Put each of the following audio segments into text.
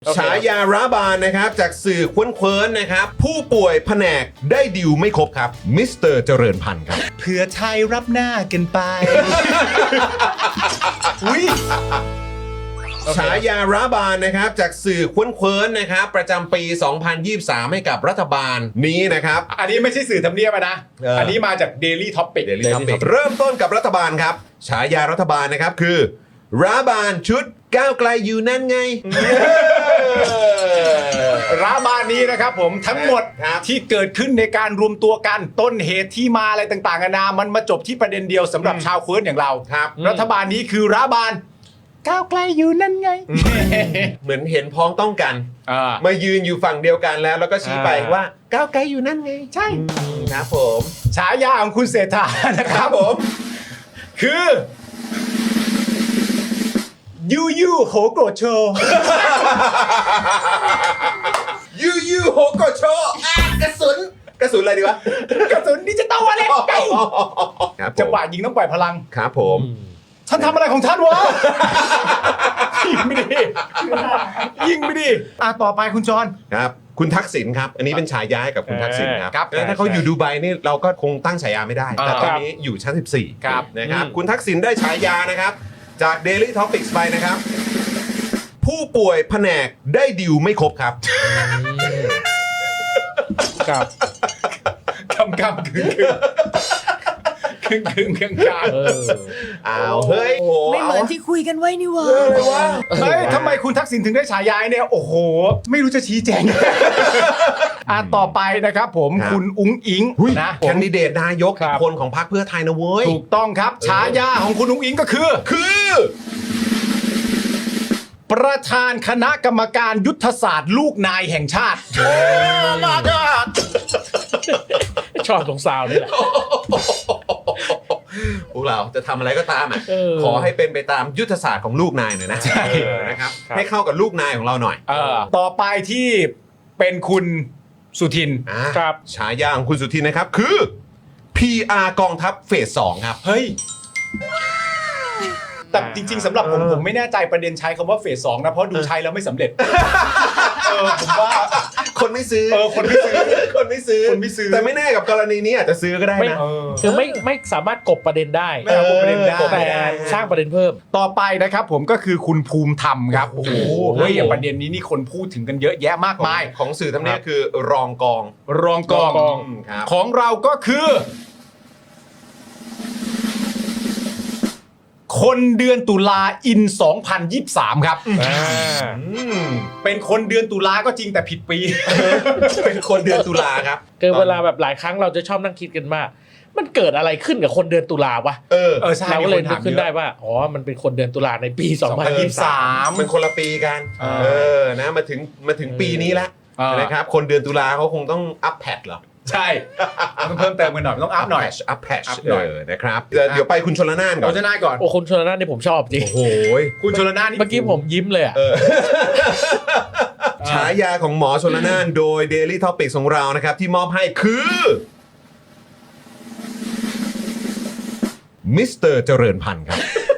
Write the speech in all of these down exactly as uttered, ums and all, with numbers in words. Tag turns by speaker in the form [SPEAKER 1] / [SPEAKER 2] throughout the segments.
[SPEAKER 1] ฉายาร้าบานนะครับจากสื่อควนเคิร์นนะครับผู้ป่วยแผนกได้ดิวไม่ครบครับมิสเตอร์เจริญพันธ์ครับ
[SPEAKER 2] เพื่อไทยรับหน้ากันไป อุ้ย
[SPEAKER 1] ฉายาร้าบานนะครับจากสื่อควนเคิร์นนะครับประจำปี สองพันยี่สิบสาม ให้กับรัฐบาลนี้นะครับ
[SPEAKER 2] อันนี้ไม่ใช่สื่อทำเนียบอะนะ
[SPEAKER 1] เอออั
[SPEAKER 2] อันนี้มาจาก Daily Topic
[SPEAKER 1] Daily Topic เริ่มต้นกับรัฐบาลครับฉายารัฐบาลนะครับคือร้าบานชุดก้าวไกลอยู่นั่นไง
[SPEAKER 2] ร้าบานนี้นะครับผมทั้งหมด
[SPEAKER 1] ครับ
[SPEAKER 2] ที่เกิดขึ้นในการรวมตัวกันต้นเหตุที่มาอะไรต่างๆนานามันมาจบที่ประเด็นเดียวสำหรับชาวเคิร์นอย่างเรา
[SPEAKER 1] ครับ
[SPEAKER 2] รัฐบาลนี้คือร้าบานก้าวไกลอยู่นั่นไง
[SPEAKER 1] เหมือนเห็นพ้องต้องกัน
[SPEAKER 2] อ่า
[SPEAKER 1] มายืนอยู่ฝั่งเดียวกันแล้วแล้วก็ชี้ไป
[SPEAKER 2] อ่า
[SPEAKER 1] ว่าก้าวไกลอยู่นั่นไง
[SPEAKER 2] ใช่
[SPEAKER 1] ครับผม
[SPEAKER 2] ฉายาของคุณเศรษฐานะค
[SPEAKER 1] ค
[SPEAKER 2] รั
[SPEAKER 1] รั
[SPEAKER 2] บบ
[SPEAKER 1] ผม
[SPEAKER 2] คือยูยูโหโกรธโชว์
[SPEAKER 1] ยูยูโฮโกโชอ่ะกระสุนกระสุนอะไรดีวะ
[SPEAKER 2] กระสุนดิจิตอลวอลเล็ตไก
[SPEAKER 1] ครับผม
[SPEAKER 2] จังหวะยิงต้องปล่อยพลัง
[SPEAKER 1] ครับผม
[SPEAKER 2] ท่านทำอะไรของท่านวะ ยิงไม่ดียิงไม่ดีอ่ะต่อไปคุณจอน
[SPEAKER 1] ครับคุณทักษิณครับ อันนี้เป็นฉายาให้กับคุณทักษิณครับ
[SPEAKER 2] ครับ
[SPEAKER 1] แล้วถ้าเขาอยู่ดูไบนี่เราก็คงตั้งฉายาไม่ได้ แต่ตอนนี้อยู่ชั้นสิบสี่
[SPEAKER 2] ครับ
[SPEAKER 1] นะครับ
[SPEAKER 2] อืม
[SPEAKER 1] คุณทักษิณได้ฉายานะครับ จาก Daily Topics ไปนะครับ ผู้ป่วยแผนกได้ดิวไม่ครบครับ
[SPEAKER 3] ครับ
[SPEAKER 2] กำกำกึ่งกึ่งกึ่งกึ่งกลาง
[SPEAKER 3] เออ
[SPEAKER 1] อ้าวเฮ้ยโอ้โห
[SPEAKER 4] ไม่เหมือนที่คุยกันไว้นี่หวะ
[SPEAKER 1] เอาเลยวะ
[SPEAKER 2] เฮ้ยทำไมคุณทักษิณถึงได้ฉายาเนี่ยโอ้โห ไม่รู้จะชี้แจง อ่ะต่อไปนะครับผมคุณอุ้งอิง
[SPEAKER 1] หุ้ย
[SPEAKER 2] นะผ
[SPEAKER 1] แค
[SPEAKER 2] ม
[SPEAKER 1] นดิเดตนายก
[SPEAKER 3] ครับ
[SPEAKER 1] คนของพรรคเพื่อไทยนะเว้ย
[SPEAKER 2] ถูกต้องครับฉายาของคุณอุ้งอิงก็คือ
[SPEAKER 1] คือ
[SPEAKER 2] ประธานคณะกรรมการยุทธศาสตร์ลูกนายแห่งชาติ
[SPEAKER 3] ชอบตรงซาวนี่แหละ
[SPEAKER 1] พวกเราจะทำอะไรก็ตามอ่ะ
[SPEAKER 3] เออ
[SPEAKER 1] ขอให้เป็นไปตามยุทธศาสตร์ของลูกนายหน่อยนะ
[SPEAKER 2] ใช่
[SPEAKER 1] เออนะครับ
[SPEAKER 3] ครับ
[SPEAKER 1] ให้เข้ากับลูกนายของเราหน่อย
[SPEAKER 2] เออต่อไปที่เป็นคุณสุทิน
[SPEAKER 1] อ่ะ
[SPEAKER 3] ครับ
[SPEAKER 1] ฉายาของคุณสุทินนะครับคือ พี อาร์ กองทัพเฟสสองครับ
[SPEAKER 2] เฮ้ย แต่จริง ๆสำหรับผมผมไม่แน่ใจประเด็นใช้คำว่าเฟสสองนะเพราะดูใช้แล้วไม่สำเร็จ เออผมว่า
[SPEAKER 1] คนไม่ซื้อ
[SPEAKER 2] เออคนไม่ซื้อ
[SPEAKER 1] คนไม่ซื้อ
[SPEAKER 2] คนไม่ซื้อ
[SPEAKER 1] แต่ไม่แน่กับกรณีนี้อาจจะซื้อก็ได้
[SPEAKER 3] ไม่
[SPEAKER 1] นะ
[SPEAKER 2] เออ
[SPEAKER 3] คือไม่ไม่สามารถกบประเด็นได้
[SPEAKER 2] ไม่เอาประเด็นได้
[SPEAKER 1] กบ
[SPEAKER 3] แต่
[SPEAKER 1] ไม่ได้
[SPEAKER 3] สร้างประเด็นเพิ่ม
[SPEAKER 2] ต่อไปนะครับผมก็คือคุณภูมิธรรมครับ โอ้โห
[SPEAKER 3] โอ้โห
[SPEAKER 2] เฮ้ยประเด็นนี้นี่คนพูดถึงกันเยอะแยะมาก
[SPEAKER 1] ของ
[SPEAKER 2] มาย
[SPEAKER 1] ของสื่อทำเนียบคือรองกอง
[SPEAKER 2] รองกอง
[SPEAKER 3] รองกอง
[SPEAKER 1] อืมครับ
[SPEAKER 2] ของเราก็คือ คนเดือนตุลาอิน สองพันยี่สิบสาม ครับ
[SPEAKER 3] อ่า
[SPEAKER 1] อืม
[SPEAKER 2] เป็นคนเดือนตุลาก็จริงแต่ผิดปี
[SPEAKER 1] เป็นคนเดือนตุลาครับ
[SPEAKER 3] คือเวลาแบบหลายครั้งเราจะชอบนั่งคิดกันว่ามันเกิดอะไรขึ้นกับคนเดือนตุลาวะ
[SPEAKER 1] เออ
[SPEAKER 2] เออใช่
[SPEAKER 3] เราก็เลย
[SPEAKER 2] มีคน
[SPEAKER 3] นึ
[SPEAKER 2] ถาก ม
[SPEAKER 3] ขึ้น
[SPEAKER 2] เยอะ
[SPEAKER 3] ได้ว่าอ๋อมันเป็นคนเดือนตุลาในปี สองพันยี่สิบสาม
[SPEAKER 1] เป็นคนละปีกัน
[SPEAKER 2] อ่า
[SPEAKER 1] เออ นะ มาถึง มาถึงปีนี้แล้ว
[SPEAKER 2] อ่าน
[SPEAKER 1] นะครับ คนเดือนตุลาเขาคงต้องอัพแพดเหรอ
[SPEAKER 2] ใช่ต้องเพิ่มเติมกันหน่อยต้องอัพหน่อย
[SPEAKER 1] อัพแพด
[SPEAKER 2] อัพ
[SPEAKER 1] เอ
[SPEAKER 2] หน่อย
[SPEAKER 1] อ นะครับ เดี๋ยวเดี๋ยวไปคุณชลนานก่อ
[SPEAKER 2] เรา
[SPEAKER 1] น
[SPEAKER 2] จะน่าก่อน
[SPEAKER 3] โอ้คุณชลน่านนี่ผมชอบจริง
[SPEAKER 1] โอ้โห
[SPEAKER 2] คุณชลนานี่
[SPEAKER 3] เมื่อกี้ผมยิ้มเลยอ่ะ
[SPEAKER 1] เออ ฉายาของหมอชลนานโดย Daily Topics ของเรานะครับ ที่มอบให้คือมิสเตอร์เจริญพันธ์ครับ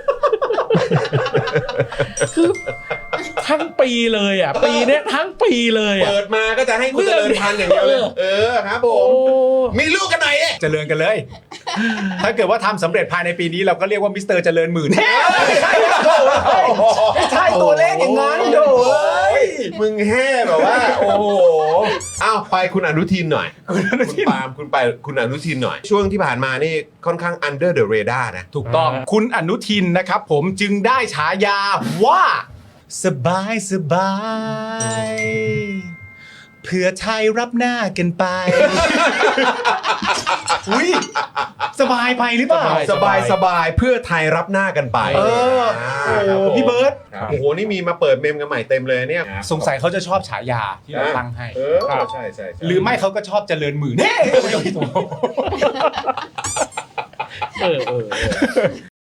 [SPEAKER 3] คือทั้งปีเลยอ่ะ ปีเนี้ยทั้งปีเลยอ่ะ
[SPEAKER 1] เปิดมาก็จะให้คุณเจริญพันธ์อย่างเดียวเลย เออ ครับผ
[SPEAKER 3] โอ้
[SPEAKER 1] ม มีลูกกันไหนเอ๊ะ
[SPEAKER 2] เจริญกันเลย ถ้าเกิดว่าทำสำเร็จภายในปีนี้เราก็เรียกว่ามิสเตอร์เจริญหมื่นไม่ใช่ไม่ใช่ตัวเลขอย่างนั้นโดย
[SPEAKER 1] มึงแห่แบบว่า โอ้โหอ้าวไปคุณอนุทินหน่อย
[SPEAKER 2] คุณอนุทิน
[SPEAKER 1] คุณปาล์มคุณไปคุณอนุทินหน่อย ช่วงที่ผ่านมานี่ค่อนข้าง under the radar นะ
[SPEAKER 2] ถูกต้องคุณอนุทินนะครับผมจึงได้ฉายาว่า สบายสบายเพื่อไทยรับหน้ากันไป อุ้ยสบายไปหรือเปล่า
[SPEAKER 1] สบายสบายเพื่อไทยรับหน้ากันไป
[SPEAKER 2] เออ
[SPEAKER 1] า
[SPEAKER 2] โอ้
[SPEAKER 1] ครับผม
[SPEAKER 2] พี่เบิร์ต
[SPEAKER 1] ครับโอ้โห นี่มีมาเปิดเมมกันใหม่เต็มเลยเนี่ย
[SPEAKER 2] สงสัยเขาจะชอบฉายาที่เราตั้งให้
[SPEAKER 1] เออใช่ใช่ใช่
[SPEAKER 2] หรือไม่เขาก็ชอบเจริญหมื่นเฮ้ย
[SPEAKER 3] เออเออเออ